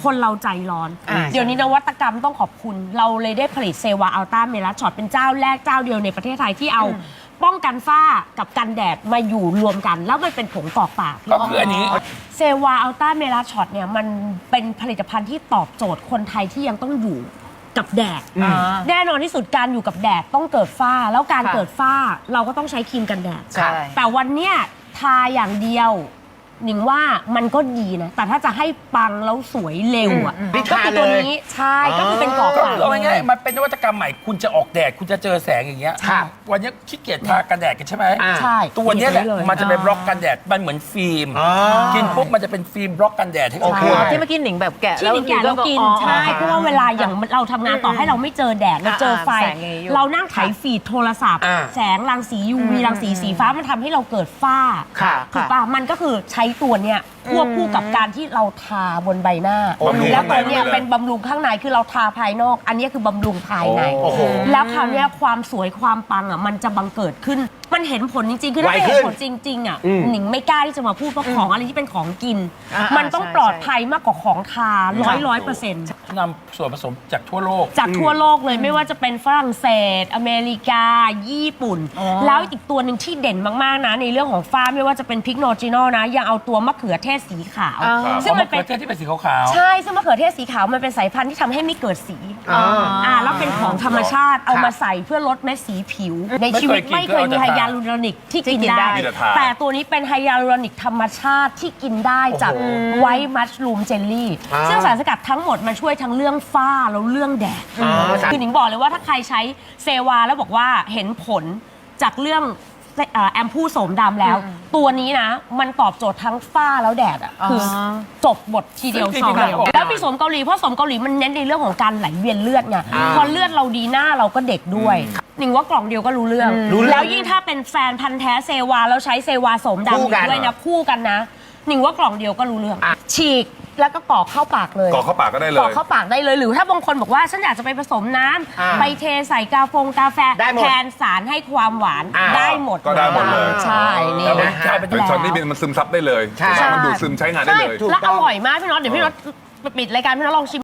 คนเราใจร้อน เดี๋ยวนี้นวัตกรรมต้องขอบคุณ เราเลยได้ผลิตเซวาอัลต้าเมลาช็อตเป็นเจ้าแรกเจ้าเดียวในประเทศไทยที่เอาป้องกันฝ้ากับกันแดดมาอยู่รวมกัน แล้วมันเป็นผงกรอกปากก็คืออันนี้เซวาอัลต้าเมลาช็อตเนี่ยมันเป็นผลิตภัณฑ์ที่ตอบโจทย์คนไทยที่ยังต้องอยู่กับแดดแน่นอนที่สุดการอยู่กับแดดต้องเกิดฝ้าแล้วการเกิดฝ้าเราก็ต้องใช้ครีมกันแดดแต่วันเนี้ยทาอย่างเดียวหนิงว่ามันก็ดีนะแต่ถ้าจะให้ปังแล้วสวยเร็วอ่ะก็คือตัวนี้ใช่ก็คือเป็นกรอกปากเอาง่ายๆมันเป็นนวัตกรรมใหม่คุณจะออกแดดคุณจะเจอแสงอย่างเงี้ยวันนี้ขี้เกียจทากันแดดกันใช่ไหมใช่ตัวนี้แหละมันจะเป็นบล็อกกันแดดมันเหมือนฟิล์มกินปุ๊บมันจะเป็นฟิล์มบล็อกกันแดดให้โอเคที่เมื่อกี้หนิงแบบแกะที่หนิงแกะแล้วกินใช่เพราะว่าเวลาอย่างเราทำงานต่อให้เราไม่เจอแดดเราเจอไฟเรานั่งไถฟีดโทรศัพท์แสงรังสี UV รังสีสีฟ้ามันทำให้เราเกิดฝ้าถูกป่ะมันก็คือใช้ตัวเนี้ยควบคู่กับการที่เราทาบนใบหน้าแล้วตัวเนี้ยเป็นบำรุงข้างในคือเราทาภายนอกอันนี้คือบำรุงภายในแล้วคราวนี้ความสวยความปังอ่ะมันจะบังเกิดขึ้นมันเห็นผลจริงๆคือถ้าไม่เห็นผลจริงๆอ่ะหนิงไม่กล้าที่จะมาพูดเพราะของอะไรที่เป็นของกินมันต้องปลอดภัยมากกว่าของทา100% นำส่วนผสมจากทั่วโลกเลยไม่ว่าจะเป็นฝรั่งเศสอเมริกาญี่ปุ่นแล้วอีกตัวหนึ่งที่เด่นมากๆนะในเรื่องของฝ้าไม่ว่าจะเป็นพริกโนจิโนนะยังเอาตัวมะเขือเทศสีขาวซึ่งมันเป็นที่เป็นสีขาวใช่ซึ่งมะเขือเทศสีขาวมันเป็นสายพันธุ์ที่ทำให้ไม่เกิดสีแล้วเป็นของธรรมชาติเอามาใส่เพื่อลดเม็ดสีผิวในชีวิตไม่เคยมีไฮยาลูรอนิกที่กินได้แต่ตัวนี้เป็นไฮยาลูรอนิกธรรมชาติที่กินได้จากไวท์มัชรูมเจลลี่ซึ่งสารสกัดทั้งหมดมันช่วยทั้งเรื่องฝ้าแล้วเรื่องแดดคือหนิงบอกเลยว่าถ้าใครใช้เซวาแล้วบอกว่าเห็นผลจากเรื่องแอมพูโสมดำแล้วตัวนี้นะมันตอบโจทย์ทั้งฝ้าแล้วแดดอ่ะคือจบบททีเดียวซองเดียวแล้วมีโสมเกาหลีเพราะโสมเกาหลีมันเน้นในเรื่องของการไหลเวียนเลือดไงพอเลือดเราดีหน้าเราก็เด็กด้วยหนิงว่ากล่องเดียวก็รู้เรื่องแล้วยิ่งถ้าเป็นแฟนพันธ์แท้เซวาแล้วใช้เซวาโสมดำอยู่ด้วยนะคู่กันนะหนิงว่ากล่องเดียวก็รู้เรื่องฉีกแล้วก็กรอกเข้าปากเลยกรอกเข้าปากก็ได้เลยกรอกเข้าปากได้เลยหรือถ้าบางคนบอกว่าฉันอยากจะไปผสมน้ำไปเทใส่กาแฟแทนสารให้ความหวานได้หมดก็ได้หมดเลยใช่นี่นะเป็นช็อตนี้มันซึมซับได้เลยมันดูดซึมใช้งานได้เลยแล้วอร่อยมากพี่น็อตเดี๋ยวพี่น็อตปิดรายการพี่น็อตลองชิม